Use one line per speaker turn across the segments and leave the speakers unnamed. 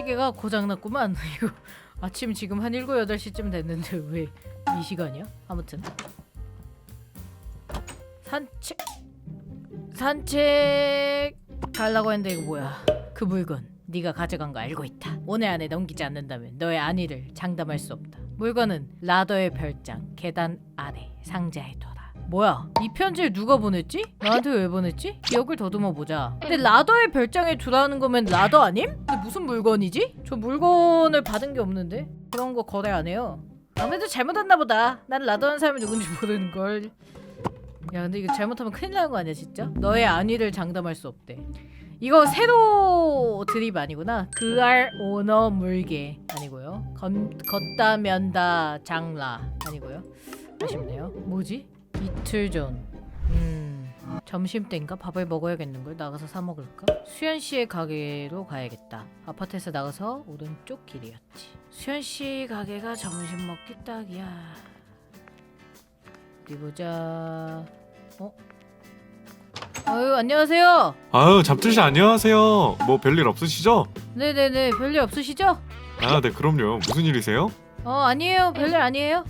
시계가 고장났구만. 이거 아침 지금 한 7, 8시쯤 됐는데 왜 이 시간이야? 아무튼 산책 가려고 했는데 이거 뭐야? 그 물건 네가 가져간 거 알고 있다. 오늘 안에 넘기지 않는다면 너의 안위를 장담할 수 없다. 물건은 라더의 별장 계단 아래 상자에 둬라. 뭐야? 이 편지를 누가 보냈지? 나한테 왜 보냈지? 기억을 더듬어 보자. 근데 라더의 별장에 두라는 거면 라더 아님? 근데 무슨 물건이지? 저 물건을 받은 게 없는데? 그런 거 거래 안 해요. 아무래도 잘못했나 보다. 난 라더한 사람이 누군지 모르는걸. 야 근데 이거 잘못하면 큰일 나는 거 아니야 진짜? 너의 안위를 장담할 수 없대. 이거 세로 드립 아니구나. 그알 오너 물개 아니고요. 걷다 면다 장라 아니고요. 아쉽네요. 뭐지? 이틀 전 점심때인가? 밥을 먹어야겠는걸? 나가서 사 먹을까? 수연씨의 가게로 가야겠다. 아파트에서 나가서 오른쪽 길이었지. 수연씨 가게가 점심 먹기 딱이야. 어디 보자. 아유 안녕하세요.
아유 잡틀씨 안녕하세요. 뭐 별일 없으시죠?
네네네 별일 없으시죠?
아 네 그럼요. 무슨 일이세요?
아니에요 별일 아니에요.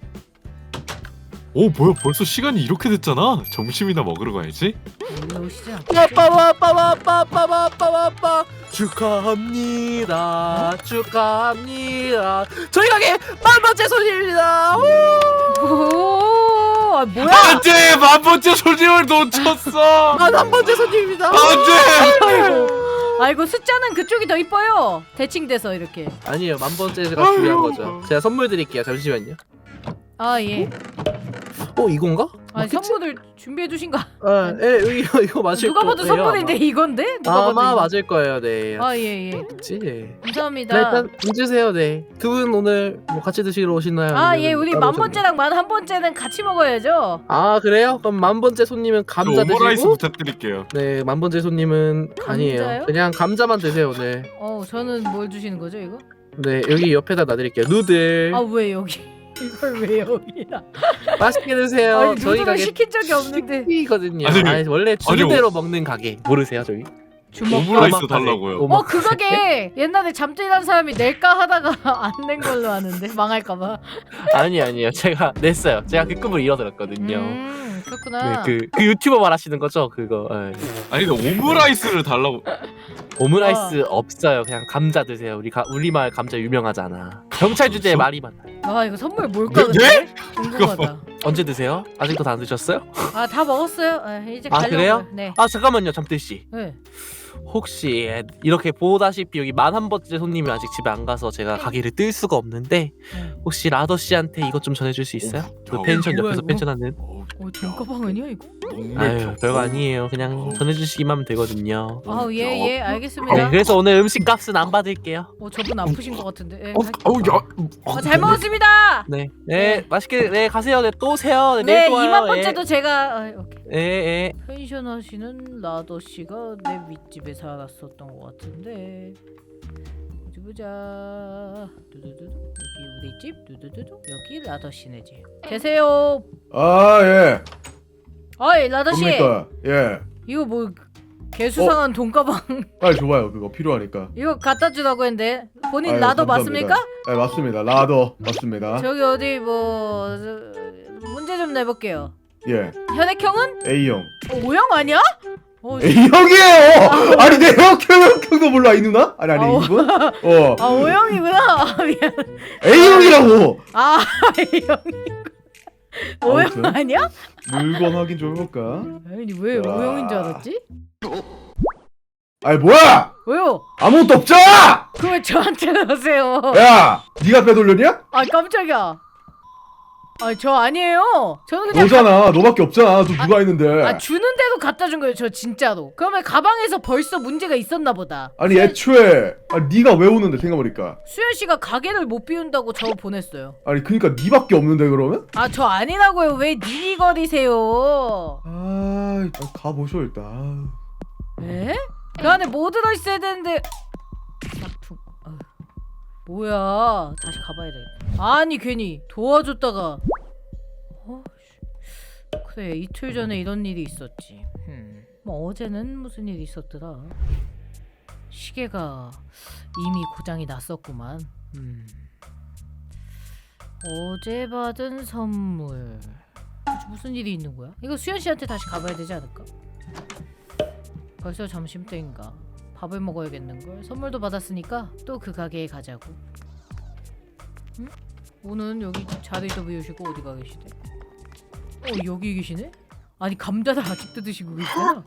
오 뭐야 벌써 시간이 이렇게 됐잖아. 점심이나 먹으러 가야지.
일로 오시죠.
빠빠빠빠빠빠빠빠빠 축하합니다. 축하합니다. 저희 가게 10,000번째 손님입니다.
아 뭐야?
안돼 만번째 손님을 놓쳤어.
10,000번째 손님입니다.
안돼.
아이고 숫자는 그쪽이 더 이뻐요. 대칭돼서 이렇게.
아니에요. 10,000번째가 중요한 거죠. 제가 선물 드릴게요. 잠시만요.
아 예.
이건가?
아
맞겠지?
선물을 준비해 주신 거.
예, 이거 맞을
누가 봐도
거예요,
선물인데 이건데? 누가
아마
봐도
맞을 거예요. 네.
예.
그치?
감사합니다.
네, 일단 앉으세요. 네. 두 분 오늘 뭐 같이 드시러 오시나요?
예 우리
따로
10,000번째랑 11,000번째는 같이 먹어야죠.
아 그래요? 그럼 10,000번째 손님은 감자
오므라이스
드시고
부탁드릴게요.
네 10,000번째 손님은 아니에요.
감자요?
그냥 감자만 드세요 오늘.
저는 뭘 주시는 거죠 이거?
네 여기 옆에다 놔드릴게요. 누들
아 왜 여기? 이걸 왜 여기야?
맛있게 드세요.
아니
저희
누들을
가게
시킨 적이 없는데.
이거든요.
아니,
원래 주는 대로 먹는 가게 모르세요 저희?
오므라이스
오마카세.
달라고요.
그 가게 옛날에 잠들이란 사람이 낼까 하다가 안 낸 걸로 아는데 망할까봐.
아니에요. 제가 냈어요. 제가 그 꿈을 이뤄들었거든요.
그렇구나.
네, 그 유튜버 말하시는 거죠 그거. 네.
아니 근데 오므라이스를 달라고.
오므라이스 없어요. 그냥 감자 드세요. 우리 마을 감자 유명하잖아. 경찰 주제에
벌써?
말이 많아요.
이거 선물 뭘까
네?
근데? 궁금하다.
언제 드세요? 아직도 다 안 드셨어요?
다 먹었어요. 이제
아,
가려고요.
그래요?
네.
잠깐만요 잠들 씨.
네.
혹시 이렇게 보다시피 여기 11,000번째 손님이 아직 집에 안 가서 제가 가게를 뜰 수가 없는데 혹시 라더 씨한테 이것 좀 전해줄 수 있어요? 그 펜션
뭐야,
옆에서
이거?
펜션하는.
돈가방은요 이거?
아유 별거 아니에요. 그냥 전해주시기만 하면 되거든요.
예
네,
알겠습니다.
그래서 오늘 음식 값은 안 받을게요.
저분 아프신 것 같은데.
야.
잘 먹었습니다.
네,
네.
맛있게 네 가세요. 네 또 오세요. 네,
네
내일 또 와요.
2만번째도 제가 오케이.
예.
펜션 하시는 라더 씨가 내 윗집에 살았었던 것 같은데. 어디 보자. 두두두두. 여기 우리 집. 두두두두. 여기 라더 씨네 집. 계세요.
예.
어이 라더 씨.
뭡니까? 예.
이거 뭐 개수상한 돈가방
빨리 줘봐요. 그거 필요하니까.
이거 갖다 주라고 했는데 본인
아유,
라더
감사합니다.
맞습니까?
네, 맞습니다. 라더 맞습니다.
저기 어디 문제 좀 내볼게요.
예.
혈액형은?
A형.
O형 아니야?
A형이에요. 아니 내 형도 몰라 이 누나? 아니 이분?
O형이구나. 미안.
A형이라고.
A형이고 O형
아무튼.
아니야?
물건 확인 좀 해볼까?
아니 왜
자.
O형인 줄 알았지?
아니 뭐야?
왜요?
아무것도 없잖아.
그걸 저한테 넣으세요.
야, 네가 빼돌렸냐?
깜짝이야. 저 아니에요. 저는 그냥
너잖아. 너밖에 없잖아. 또 누가 있는데?
주는데도 갖다 준 거예요. 저 진짜로. 그러면 가방에서 벌써 문제가 있었나 보다.
아니 애초에 네가 왜 오는데 생각해보니까.
수현 씨가 가게를 못 비운다고 저 보냈어요.
아니 그니까 네밖에 없는데 그러면?
저 아니라고요. 왜 니니거리세요?
가보쇼 일단.
에? 그 안에 뭐 들어있어야 되는데. 싹퉁. 뭐야? 다시 가봐야 돼. 아니 괜히 도와줬다가. 그래 이틀 전에 이런 일이 있었지. 뭐 어제는 무슨 일이 있었더라. 시계가 이미 고장이 났었구만. 어제 받은 선물. 도대체 무슨 일이 있는 거야? 이거 수현 씨한테 다시 가봐야 되지 않을까? 벌써 점심때인가? 밥을 먹어야겠는걸. 선물도 받았으니까 또 그 가게에 가자고. 응? 오늘 여기 자리도 비우시고 어디 가 계시대? 여기 계시네? 아니 감자를 아직도 드시고 계시잖아.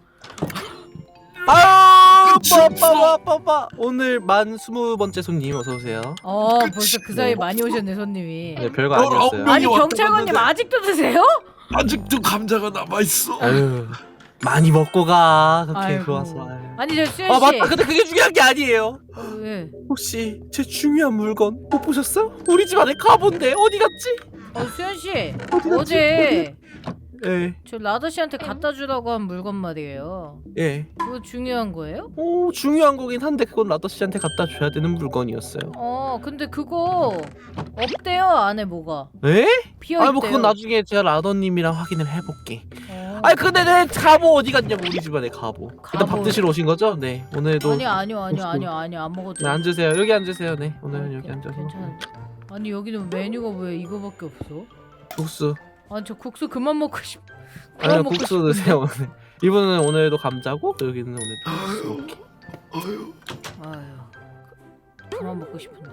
빠빠빠빠 오늘 만 20번째 손님 어서 오세요.
벌써 그 사이에 많이 오셨네 손님이.
네 별거 아니었어요.
아니
왔다
경찰관님
갔는데.
아직도 드세요?
아직도 감자가 남아 있어.
아유 많이 먹고 가 그렇게
아이고.
좋아서.
아니 저 수현 씨.
맞다. 근데 그게 중요한 게 아니에요.
왜?
혹시 제 중요한 물건 못 보셨어요? 우리 집 안에 가본데 어디 갔지?
수현 씨
어디 갔지?
어제
예,
저 라더 씨한테 갖다 주라고 한 물건 말이에요.
예.
그거 중요한 거예요?
오 중요한 거긴 한데 그건 라더 씨한테 갖다 줘야 되는 물건이었어요.
근데 그거 없대요 안에 뭐가
에?
비어 있대요.
뭐 그건 나중에 제가 라더님이랑 확인을 해볼게.
어.
아니 근데 내 갑오 어디 갔냐고 우리 집안에 갑오. 일단 밥
갑오.
드시러 오신 거죠? 네 오늘도.
아니요 안 먹어도
네
돼요.
앉으세요. 여기 앉으세요. 네 오늘은 여기 앉아서.
괜찮아. 아니 여기는 메뉴가 왜 이거밖에 없어?
국수.
아니 저 국수 그만 먹고 싶.
아니요
먹고
국수
싶은데.
드세요 오늘. 이분은 오늘도 감자고 여기는 오늘도 국수. 이렇게.
아유 그만 먹고 싶은데.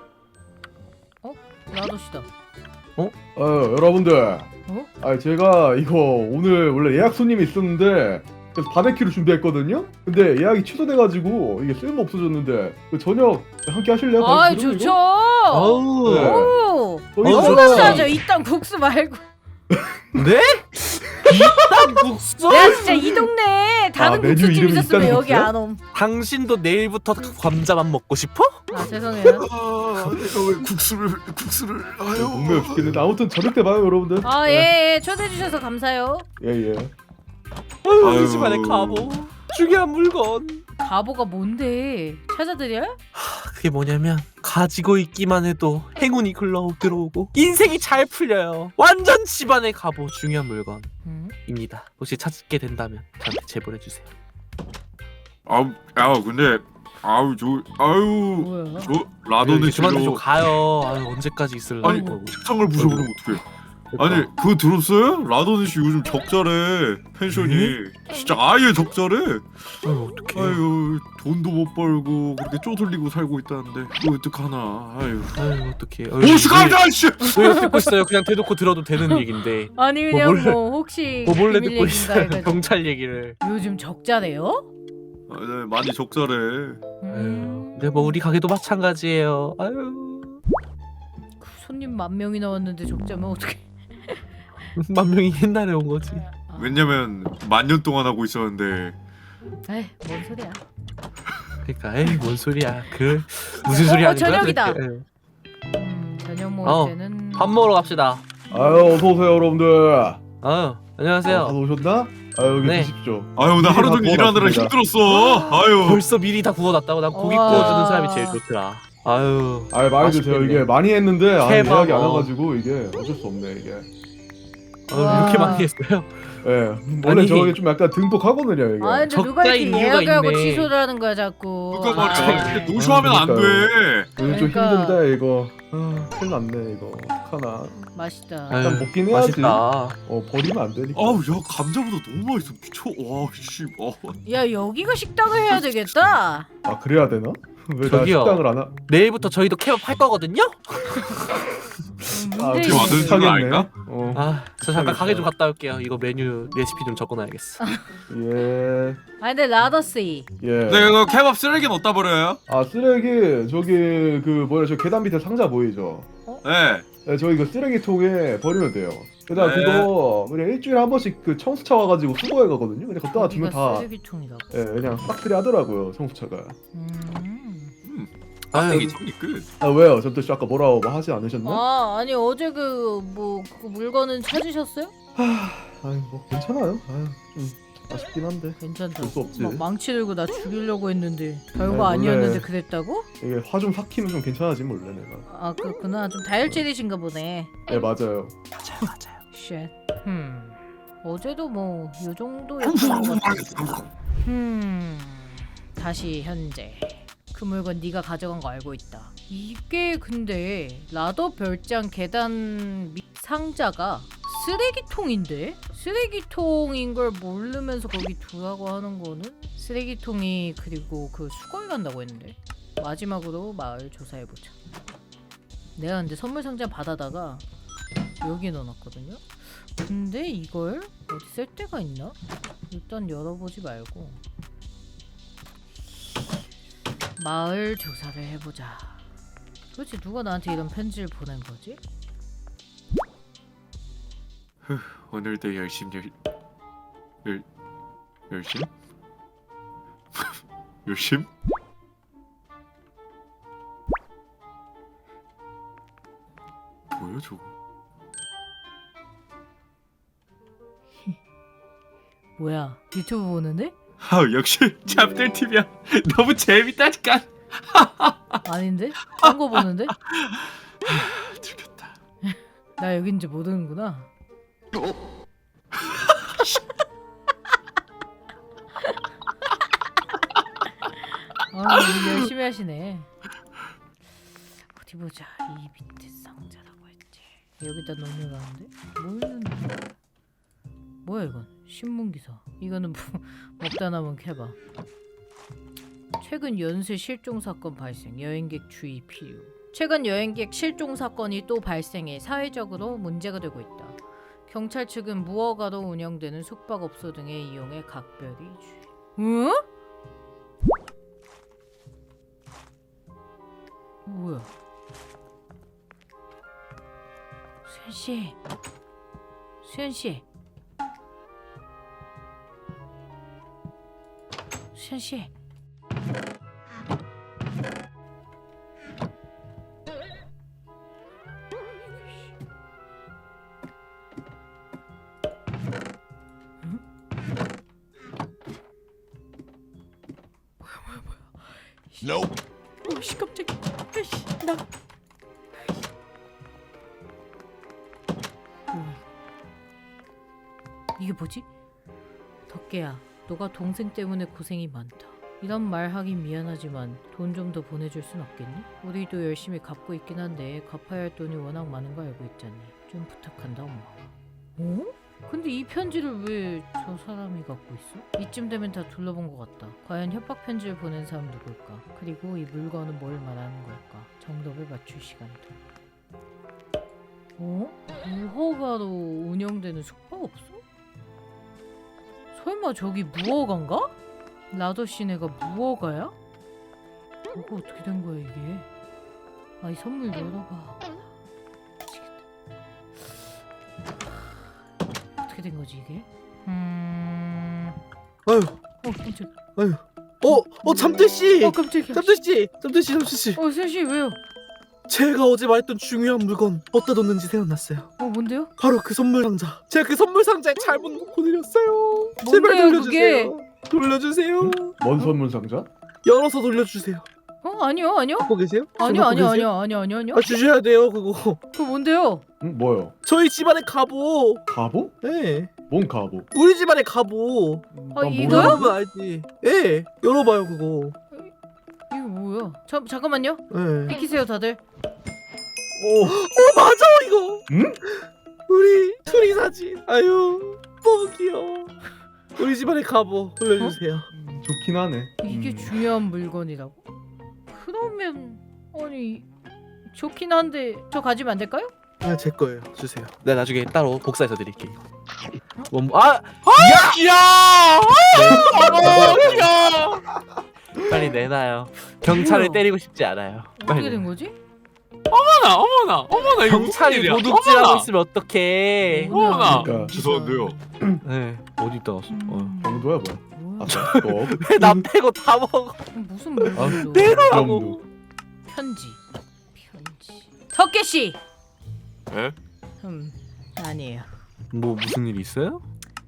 라더씨다.
여러분들. 제가 이거 오늘 원래 예약 손님이 있었는데 그래서 바베큐를 준비했거든요. 근데 예약이 취소돼가지고 이게 쓸모 없어졌는데 그 저녁 함께 하실래요?
아
다른 분들은
좋죠.
아우.
네.
오.
이거?
좋죠. 이딴 국수 말고.
네? 이딴 국수?
내가 진짜 이 동네 다른
메뉴
국수집
이름이
있었으면
있다는
여기
국수야?
안 옴.
당신도 내일부터 감자만 먹고 싶어?
죄송해요.
내가 왜 국수를
목매어 죽겠는데 아무튼 저녁 때 봐요 여러분들.
예 초대해 주셔서 감사해요.
예예.
아유,
아유.
우리 집안에 갑오. 중요한 물건.
바보가 뭔데? 찾아드려?
그게 뭐냐면 가지고 있기만 해도 행운이 글러 들어오고 인생이 잘 풀려요. 완전 집안의 갑오 중요한 물건입니다. 혹시 찾게 된다면 저한테 제보해 주세요.
근데
뭐야?
저 라더는
그만 좀
싫어.
가요. 아유, 언제까지 있을라고.
아니 책상을 부셔버리면 어떡해. 아니 그거 들었어요? 라더는 씨 요즘 적자래. 펜션이 진짜 아예 적자래.
아유 어떡해.
아유 돈도 못 벌고 그렇게 쪼들리고 살고 있다는데 이거 어떡하나. 아유
어떡해.
오씨 감자 씨.
왜 듣고 있어요? 그냥 대놓고 들어도 되는 얘긴데.
아니 그냥
몰래-
혹시
뭐 몰래
비밀
듣고
얘기인가
있어요.
해가지고.
경찰 얘기를.
요즘 적자래요?
네, 많이 적자래.
근데 뭐 우리 가게도 마찬가지예요. 아유.
손님 10,000명이 나왔는데 적자면 어떡해?
10,000명이 옛날에 온 거지.
왜냐면 10,000년 동안 하고 있었는데.
에이 뭔 소리야?
그러니까 에이 뭔 소리야. 그 무슨 소리 하는 거야?
저녁이다.
도대체.
저녁 먹을
어,
때는
밥 먹으러 갑시다.
아유 어서 오세요 여러분들.
안녕하세요.
다 오셨나? 여기
네.
드십시오.
아유 나 하루
다
종일 일하느라
구워놨습니다.
힘들었어. 아유.
벌써 미리 다 구워놨다고. 난 고기
와.
구워주는 사람이 제일 좋더라. 아유.
많이 드세요.
맛있겠네.
이게 많이 했는데
케밥,
예약이 안 와가지고 이게 어쩔 수 없네 이게.
와.
이렇게 많이 했어요?
예, 원래
아니.
저게 좀 약간 듬뿍하거든요 이게.
아 근데 누가
적자인
이렇게
이유가
예약을 하고
있네.
취소를 하는 거야 자꾸.
그러니까
아,
말이야. 근데 노쇼하면 안 돼.
요즘 좀
그러니까.
힘든데 이거. 큰일 났네 이거. 어떡하나.
맛있다.
아유,
일단 먹긴 해야지.
맛있다.
버리면 안 되니까.
아우 야 감자보다 너무 맛있어. 미쳐. 와 씨.
야 여기가 식당을 해야 되겠다.
아 그래야 되나? 왜 나
저기요.
식당을 안 하?
내일부터 저희도 케밥 할 거거든요?
문제
어떻게 만드는지
있어.
알까?
저 잠깐 가게 좀 갔다 올게요. 이거 메뉴 레시피 좀 적어놔야겠어.
예.
아 근데 라더씨
예.
네 이거 케밥 쓰레기는 어디다 버려요?
아 쓰레기 저기 그 뭐야 저 계단 밑에 상자 보이죠?
네.
네, 저희 그 쓰레기통에 버리면 돼요. 그다음
네.
그거 그냥 일주일에 한 번씩 그 청수차 와가지고 수거해 가거든요. 그냥 갖다 두면
여기가
다
쓰레기통이라고.
예, 그냥 싹쓸이 하더라고요 청수차가.
빡대기 정리 끝.
아 왜요? 전또 아까 뭐라고 뭐 하지 않으셨나?
아니 어제 그 물건은 찾으셨어요?
아유 뭐 괜찮아요. 좀 아쉽긴 한데
괜찮다.
볼수 없지.
막 망치 들고 나 죽이려고 했는데 별거
아니, 원래-
아니었는데 그랬다고?
이게 화 좀 삭히면 좀 괜찮아지 몰래 내가.
아 그렇구나. 좀 다혈질이신가 보네.
네 맞아요.
맞아요.
쉣. 어제도 뭐 요 정도였던 것 같아. 다시 현재. 그 물건 네가 가져간 거 알고 있다. 이게 근데 라더 별장 계단 밑 상자가 쓰레기통인데? 쓰레기통인 걸 모르면서 거기 두라고 하는 거는? 쓰레기통이 그리고 그 수거해 간다고 했는데. 마지막으로 마을 조사해보자. 내가 근데 선물 상자 받아다가 여기 넣어놨거든요? 근데 이걸 어디 쓸 데가 있나? 일단 열어보지 말고 마을 조사를 해보자. 도대체 누가 나한테 이런 편지를 보낸 거지?
오늘도 열심? 열심? 뭐야 저거?
뭐야, 유튜브 보는데?
아 역시 잡들 TV야. 너무 재밌다니까.
아닌데? 딴 거 보는데?
들켰다.
나 여긴지 모르는구나. 아, 일 열심히 하시네. 어디 보자. 이 밑에 상자라고 했지. 여기다 넣으라는데? 뭐 있는데? 뭐야 이건? 신문 기사. 이거는 먹다 남은 캐봐. 최근 연쇄 실종 사건 발생. 여행객 주의 필요. 최근 여행객 실종 사건이 또 발생해 사회적으로 문제가 되고 있다. 경찰 측은 무허가로 운영되는 숙박업소 등의 이용에 각별히 주의. 응? 뭐야? 수현 씨, 수현 씨, 수현 씨. 오씨 깜짝이야. 아이씨 나. 이게 뭐지? 덕계야, 너가 동생 때문에 고생이 많다. 이런 말 하긴 미안하지만 돈 좀 더 보내줄 순 없겠니? 우리도 열심히 갚고 있긴 한데 갚아야 할 돈이 워낙 많은 거 알고 있잖니. 좀 부탁한다 엄마. 어? 근데 이 편지를 왜 저 사람이 갖고 있어? 이쯤 되면 다 둘러본 것 같다. 과연 협박 편지를 보낸 사람 누굴까? 그리고 이 물건은 뭘 말하는 걸까? 정답을 맞출 시간이다. 어? 무허가로 운영되는 숙박업소? 설마 저기 무허가인가? 라더 씨네가 무허가야? 이거 어떻게 된 거야 이게? 아, 이 선물 열어봐. 미치겠다. 어떻게 된 거지 이게?
아유,
깜짝.
잠들씨!
깜짝이야.
잠들씨!
수현씨 왜요?
제가 어제 말했던 중요한 물건 어디다 뒀는지 생각났어요.
뭔데요?
바로 그 선물 상자. 제가 그 선물 상자에 잘못 넣고 내렸어요. 제발
뭔데요,
돌려주세요. 돌려주세요.
뭔 선물 상자?
열어서 돌려주세요.
아니요.
갖고 계세요?
아니요.
갖고 계세요? 아, 주셔야 돼요 그거.
그거 뭔데요?
응, 뭐요?
저희 집안의 갑오.
갑오?
네.
뭔 갑오?
우리 집안의 갑오.
아,
난
이거요?
몰라.
열어보면 알지. 예. 열어봐요 그거.
이거 뭐야? 잠깐만요.
예.
비키세요 다들.
맞아 이거.
응?
우리 둘이 사진. 아유 너무 귀여워. 우리 집안의 갑오 돌려주세요.
좋긴 하네.
이게 중요한 물건이라고? 그러면 아니 좋긴 한데 저 가지면 안 될까요?
아, 제 거예요. 주세요. 내가 나중에 따로 복사해서 드릴게요. 야! 빨리 내놔요. 경찰을
뭐야?
때리고 싶지 않아요.
어떻게 된 거지?
어머나
경찰이 도둑질하고 있으면 어떡해?
어머나.
그러니까.
죄송한데요.
네. 어디 있다 왔어?
정도야 뭐야?
뭐야?
너
왜나 빼고 다 먹어?
무슨 물건이죠?
내놓으라고.
편지. 덕계 씨.
에?
아니에요.
뭐 무슨 일 있어요?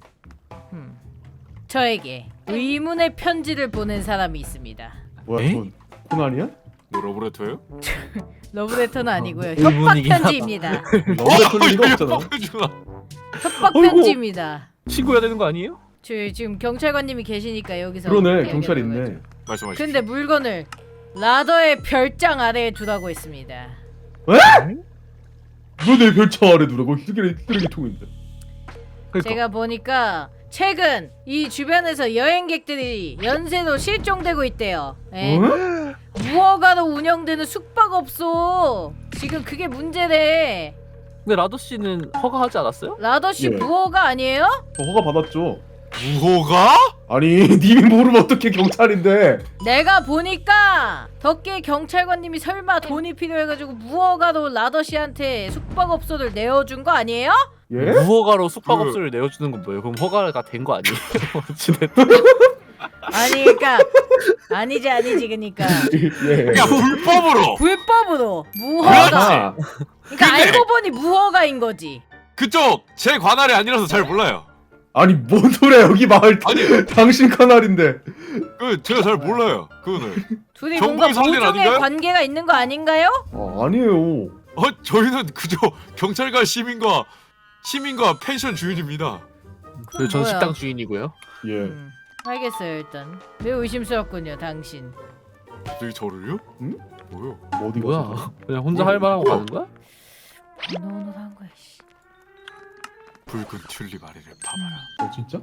저에게 의문의 편지를 보낸 사람이 있습니다.
뭐야?
에?
전 코난이야?
뭐 러브레터예요?
러브레터는 아니고요. 협박
의문이긴 하다.
편지입니다.
너가 그럴 리가 없잖아.
협박
어이구.
편지입니다.
신고해야 되는 거 아니에요?
지금 경찰관님이 계시니까 여기서
그러네,
이야기하는
경찰
거죠.
있네.
말씀하십시오.
근데 물건을 라더의 별장 아래에 두라고 했습니다.
왜 내 별차 아래 두라고? 쓰레기통인데.
그러니까.
제가 보니까 최근 이 주변에서 여행객들이 연쇄로 실종되고 있대요. 예?
어?
무허가로 운영되는 숙박업소. 지금 그게 문제래.
근데 라도 씨는 허가하지 않았어요?
라더씨
예.
무허가 아니에요?
저 허가 받았죠.
무호가?
아니 님이 모르면 어떻게 경찰인데?
내가 보니까 덕계 경찰관님이 설마 돈이 필요해가지고 무허가로 라더씨한테 숙박업소를 내어준 거 아니에요?
예?
무허가로 숙박업소를 내어주는 건 뭐예요? 그럼 허가가 된 거 아니에요? 어찌됐든.
아니 그니까 아니지 그니까
예.
야 불법으로.
불법으로 무허가.
아하.
그러니까
근데-
알고 보니 무허가인 거지.
그쪽 제 관할이 아니라서 잘 몰라요.
아니 뭔 소리야 여기 마을
아니.
당신 카날인데.
그 제가 잘 몰라요. 그거는.
둘이
정부의
뭔가
상대는
모종의
아닌가요?
관계가 있는 거 아닌가요?
아니에요.
저희는 그저 경찰과 시민과 펜션 주인입니다.
그건
전
뭐야?
식당 주인이고요.
예.
알겠어요 일단. 매우 의심스럽군요 당신.
갑자기 저를요?
응?
뭐요?
뭐 어디
뭐야?
갔어?
그냥 혼자 할 만하고 가는 거야?
오노오노한 거야 씨.
붉은 튤립 아래를 봐봐라.
진짜?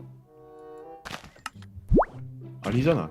아니잖아.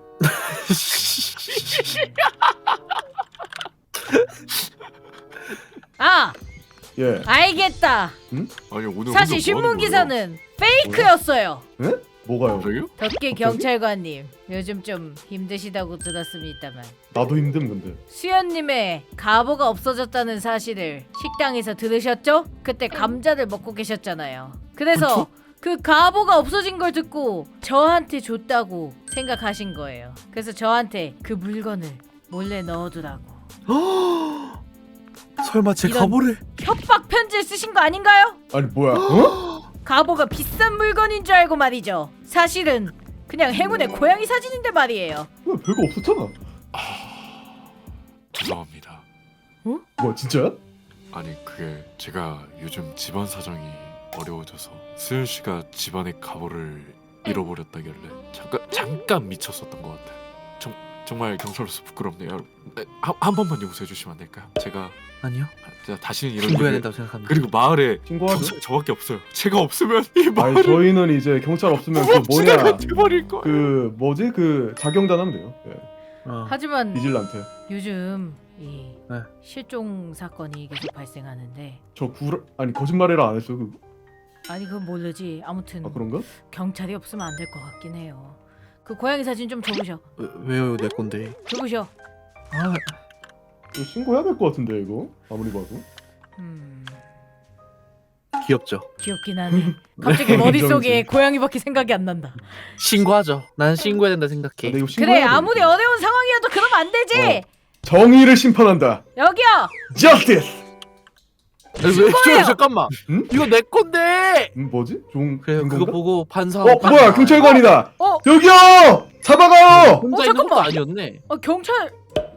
아
예.
알겠다.
아니 오늘
사실
혼자 뭐
신문
하는 거예요?
기사는 페이크였어요.
뭐가요?
갑자기요?
덕계 경찰관님 요즘 좀 힘드시다고 들었습니다만
나도 힘듦 근데.
수연님의 가보가 없어졌다는 사실을 식당에서 들으셨죠? 그때 감자를 먹고 계셨잖아요. 그래서 그 가보가 없어진 걸 듣고 저한테 줬다고 생각하신 거예요. 그래서 저한테 그 물건을 몰래 넣어두라고
설마 제
이런-
가보를?
협박 편지를 쓰신 거 아닌가요?
아니 뭐야? 어?
가보가 비싼 물건인 줄 알고 말이죠. 사실은 그냥 행운의 고양이 사진인데 말이에요.
왜 별거 없었잖아.
죄송합니다.
뭐 진짜야?
아니 그게 제가 요즘 집안 사정이 어려워져서 수현 씨가 집안의 가보를 잃어버렸다길래 잠깐 미쳤었던 것 같아요. 정말 경찰로서 부끄럽네요. 한 번만 용서해 주시면 안 될까요? 제가
아니요.
다시는 이런
신고해야
일을
된다고 생각합니다.
그리고 마을에
신고하죠.
경찰 저밖에 없어요. 제가 없으면 이
아니
마을은
저희는 이제 경찰 없으면 그
무법지대가
뭐냐
돼버릴 거예요.
그 뭐지 그 자경단 하면 돼요. 예.
하지만
비질란테.
요즘 이
네.
실종 사건이 계속 발생하는데
저 아니 거짓말이라 안 했어요.
아니 그건 모르지. 아무튼
아 그런가?
경찰이 없으면 안 될 것 같긴 해요. 그 고양이 사진 좀 줘보셔.
왜요 내 건데?
줘보셔.
아,
이거 신고해야 될 것 같은데 이거 아무리 봐도.
귀엽죠.
귀엽긴 하네. 갑자기 머릿속에 고양이밖에 생각이 안 난다.
신고하죠. 난 신고해야 된다 생각해.
근데 이거
그래
신고해야
아무리
되니까.
어려운 상황이어도 그러면 안 되지.
정의를 심판한다.
여기요.
Justice.
왜
신고해요.
잠깐만.
응?
이거 내 건데.
뭐지? 좀
그래
된
그거
건가?
보고 반사하고.
뭐야 경찰관이다.
어?
여기요. 잡아가요.
혼자
어,
있는 것도
잠깐만.
아니었네.
경찰.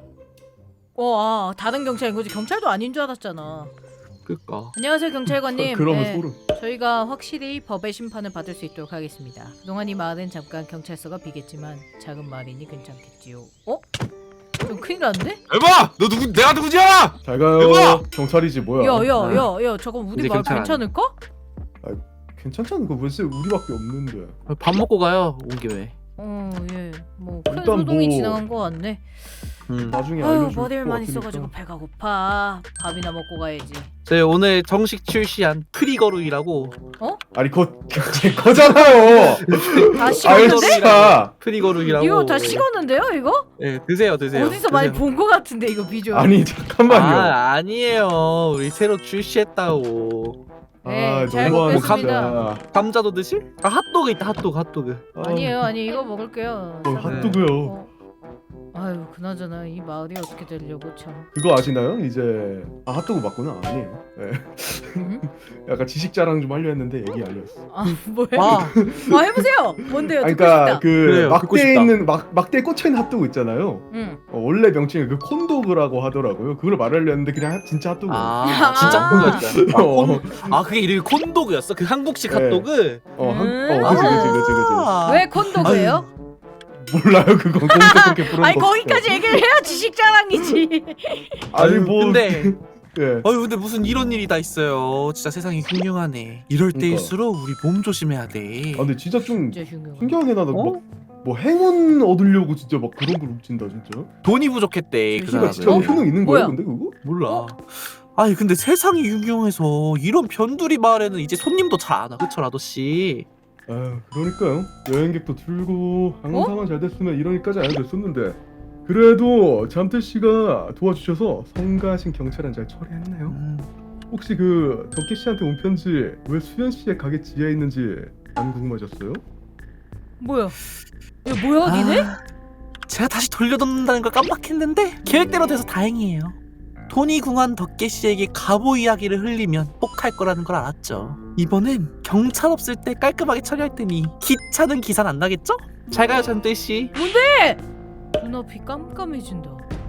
다른 경찰인 거지. 경찰도 아닌 줄 알았잖아.
그니까.
안녕하세요 경찰관님.
그러면
네,
소름.
저희가 확실히 법의 심판을 받을 수 있도록 하겠습니다. 그동안 이 마을은 잠깐 경찰서가 비겠지만 작은 마을이니 괜찮겠지요. 좀 큰일 났는데?
에바! 너 누구? 내가 누구지? 알아?
잘 가요.
여보!
경찰이지 뭐야?
야야야야 잠깐 우리
이제
마을
경찰
괜찮을까?
괜찮잖아. 그거 벌써 우리밖에 없는데.
밥 먹고 가요. 온 김에.
예. 뭐 큰
일단
소동이
뭐-
지나간 거 같네.
나중에
아유
알려줄
머리를
것
많이
같으니까.
써가지고 배가 고파. 밥이나 먹고 가야지.
저희 오늘 정식 출시한 프리거루이라고.
아니 그거 제 거잖아요.
다
아유
식었는데?
진짜.
프리거루이라고.
이거 다 식었는데요 이거?
네 드세요 드세요.
어디서 많이 본 거 같은데 이거 비주얼.
아니 잠깐만요.
아니에요. 우리 새로 출시했다고.
네, 잘
너무하네,
먹겠습니다.
진짜.
감자도 드실? 핫도그 있다 핫도그.
아니에요 아니 이거 먹을게요.
핫도그요.
아유 그나저나 이 마을이 어떻게 되려고 참.
그거 아시나요? 이제 핫도그 맞구나. 아니에요. 네.
응?
약간 지식 자랑 좀 하려 했는데 얘기 알렸어.
뭐야?
와
해보세요. 뭔데요?
아니,
듣고
그러니까
싶다.
그
그래요, 듣고
막대에
싶다.
있는 막대에 꽂혀 있는 핫도그 있잖아요.
응.
원래 명칭이 그 콘도그라고 하더라고요. 그걸 말하려 했는데 그냥 진짜 핫도그.
아 진짜 핫도그였어요.
어.
그게 이름이 콘도그였어? 그 한국식
네.
핫도그?
그지.
왜 콘도그예요?
몰라요 그건 거기서 그렇게 부른
아니
거
거기까지 얘기를 해야 지식 자랑이지.
아니 뭐
근데
예.
근데 무슨 이런 일이 다 있어요. 진짜 세상이 흉흉하네. 이럴
그러니까.
때일수록 우리 몸 조심해야 돼.
아 근데 진짜 좀
진짜 흉흉.
신기하게 나는
어?
막뭐 행운 얻으려고 진짜 막 그런 걸 훔친다 진짜.
돈이 부족했대 그
진짜
진짜
사람은.
효능 있는
뭐야?
거예요 근데 그거?
몰라. 아니 근데 세상이 흉흉해서 이런 변두리 마을에는 이제 손님도 잘 안 와. 그쵸 라도씨?
아 그러니까요. 여행객도 줄고 항상만 잘 됐으면 이러니까지 안 됐었는데 그래도 잠들 씨가 도와주셔서 성가신 경찰은 잘 처리했네요. 혹시 그 덕기 씨한테 온 편지 왜 수현 씨의 가게 지하에 있는지 안 궁금하셨어요?
뭐야? 야 뭐야 니네?
제가 다시 돌려놓는다는 걸 깜빡했는데 계획대로 돼서 다행이에요. 돈이 궁한 덕계 씨에게 갑오 이야기를 흘리면 혹할 거라는 걸 알았죠. 이번엔 경찰 없을 때 깔끔하게 처리할 테니 기차는 기사 안 나겠죠? 잘 가요 전대 씨.
눈앞이 깜깜해진다.